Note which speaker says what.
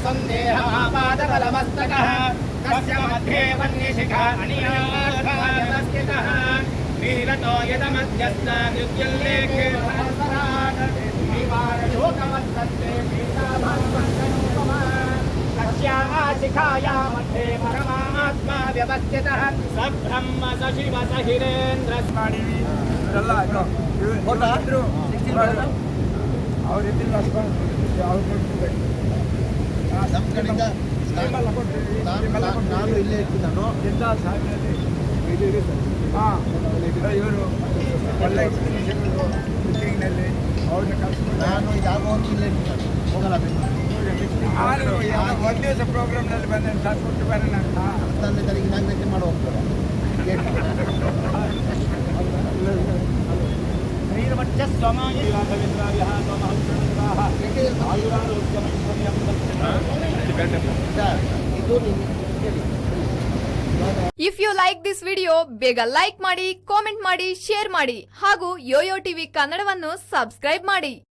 Speaker 1: सन्देहमापादबलमस्तकः तस्य मध्ये वह्निशिखा अनियार्थायवस्थितः नीलतो यदमध्यस्थाद्युल्लेखे सहस्रात् निवारयोगमस्तस्ते पीताभास्वन्तनुपमा तस्याः शिखाया मध्ये परमात्मा व्यवस्थितः स ब्रह्म स शिव स हिरेन्द्र
Speaker 2: ನಾನು ಇಲ್ಲೇ ಇರ್ತಿದ್ದಾನು
Speaker 3: ಇವರು ಒಳ್ಳೆ ಎಕ್ಸ್ಪ್ಲನೇಷನ್ನಲ್ಲಿ ಅವ್ರನ್ನ ಕಳಿಸ್ಕೊಂಡು
Speaker 2: ನಾನು ಯಾವಾಗಲೂ ಇಲ್ಲೇ ಇರ್ತಿದ್ದಾನೆ ಹೋಗಲ್ಲ
Speaker 3: ಒಂದು ದಿವಸ ಪ್ರೋಗ್ರಾಮ್ನಲ್ಲಿ ಬಂದ ಸಾಕ್ಬಿಟ್ಟು ಬರೋಣ ಅಂತ
Speaker 2: 10ನೇ ತಾರೀಕು ಇನಾಗ್ರೇಷನ್ ಮಾಡಿ ಹೋಗ್ತಾರೆ
Speaker 4: if you like this video ಬೇಗ ಲೈಕ್ ಮಾಡಿ, ಕಾಮೆಂಟ್ ಮಾಡಿ, ಶೇರ್ ಮಾಡಿ ಹಾಗೂ ಯೋಯೋ ಟಿವಿ ಕನ್ನಡವನ್ನು ಸಬ್ಸ್ಕ್ರೈಬ್ ಮಾಡಿ.